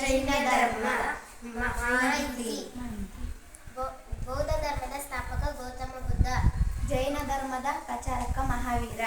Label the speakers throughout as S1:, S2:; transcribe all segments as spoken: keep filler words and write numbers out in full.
S1: ಜೈನ ಧರ್ಮ ಮಾಹಿತಿ.
S2: ಬೌದ್ಧ ಧರ್ಮದ ಸ್ಥಾಪಕ ಗೌತಮ ಬುದ್ಧ.
S1: ಜೈನ ಧರ್ಮದ ಪ್ರಚಾರಕ ಮಹಾವೀರ.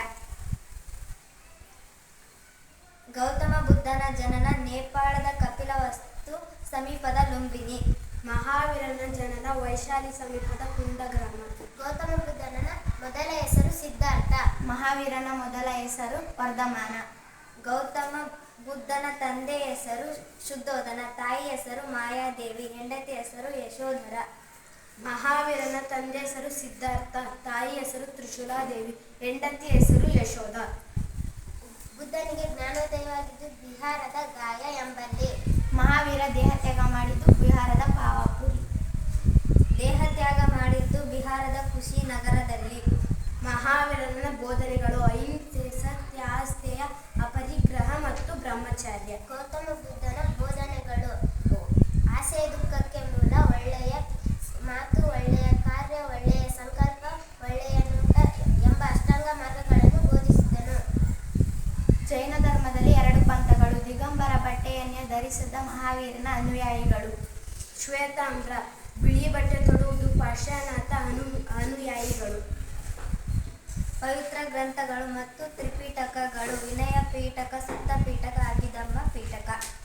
S2: ಗೌತಮ ಬುದ್ಧನ ಜನನ ನೇಪಾಳದ ಕಪಿಲವಸ್ತು ಸಮೀಪದ ಲುಂಬಿನಿ.
S3: ಮಹಾವೀರನ ಜನನ ವೈಶಾಲಿ ಸಮೀಪದ ಕುಂದ ಗ್ರಾಮ.
S2: ಗೌತಮ ಬುದ್ಧನ ಮೊದಲ ಹೆಸರು ಸಿದ್ಧಾರ್ಥ.
S1: ಮಹಾವೀರನ ಮೊದಲ ಹೆಸರು ವರ್ಧಮಾನ.
S2: ಗೌತಮ ಬುದ್ಧನ ತಂದೆ ಹೆಸರು ಶುದ್ಧೋಧನ, ತಾಯಿ ಹೆಸರು ಮಾಯಾದೇವಿ, ಹೆಂಡತಿ ಹೆಸರು ಯಶೋಧರ.
S3: ಮಹಾವೀರನ ತಂದೆ ಹೆಸರು ಸಿದ್ಧಾರ್ಥ, ತಾಯಿ ಹೆಸರು ತ್ರಿಶೂಲಾದೇವಿ, ಹೆಂಡತಿ ಹೆಸರು ಯಶೋಧ.
S2: ಬುದ್ಧನಿಗೆ ಜ್ಞಾನೋದಯವಾಗಿದ್ದು ಬಿಹಾರದ ಗಾಯ ಎಂಬಲ್ಲಿ.
S1: ಮಹಾವೀರ ದೇಹತ್ಯಾಗ ಮಾಡಿದ್ದು ಬಿಹಾರದ ಪಾವಾಪುರಿ.
S2: ದೇಹತ್ಯಾಗ ಮಾಡಿದ್ದು ಬಿಹಾರದ ಕುಶಿನಗರದಲ್ಲಿ.
S3: ಮಹಾವೀರನ ಬೋಧನೆಗಳು ಅಹಿಂಸೆ, ಸತ್ಯ, ಆಸ್ಥೇಯ, ಅಪರಿಗ್ರಹ ಮತ್ತು ಬ್ರಹ್ಮಚರ್ಯ.
S2: ಗೌತಮ ಬುದ್ಧನ ಬೋಧನೆಗಳು ಆಸೆ ದುಃಖಕ್ಕೆ ಮೂಲ, ಒಳ್ಳೆಯ ಮಾತು, ಒಳ್ಳೆಯ ಕಾರ್ಯ, ಒಳ್ಳೆಯ ಸಂಕಲ್ಪ, ಒಳ್ಳೆಯ ನೋಟ ಎಂಬ ಅಷ್ಟಾಂಗ ಮಾರ್ಗಗಳನ್ನು ಬೋಧಿಸಿದನು.
S1: ಜೈನ ಧರ್ಮದಲ್ಲಿ ಎರಡು ಪಂಥಗಳು. ದಿಗಂಬರ ಬಟ್ಟೆಯನ್ನೇ ಧರಿಸಿದ ಮಹಾವೀರನ ಅನುಯಾಯಿಗಳು.
S3: ಶ್ವೇತಾಂಬ್ರ ಬಿಳಿ ಬಟ್ಟೆ ತೊಡುವುದು ಪಾರ್ಶ್ವನಾಥ ಅನು ಅನುಯಾಯಿಗಳು.
S2: ಪವಿತ್ರ ಗ್ರಂಥಗಳು ಮತ್ತು ತ್ರಿಪಿಟಕಗಳು. ವಿನಯ ಪೀಠಕ, ಸುತ್ತ ಪೀಠಕ, ಅಭಿಧಮ್ಮ ಪೀಠಕ.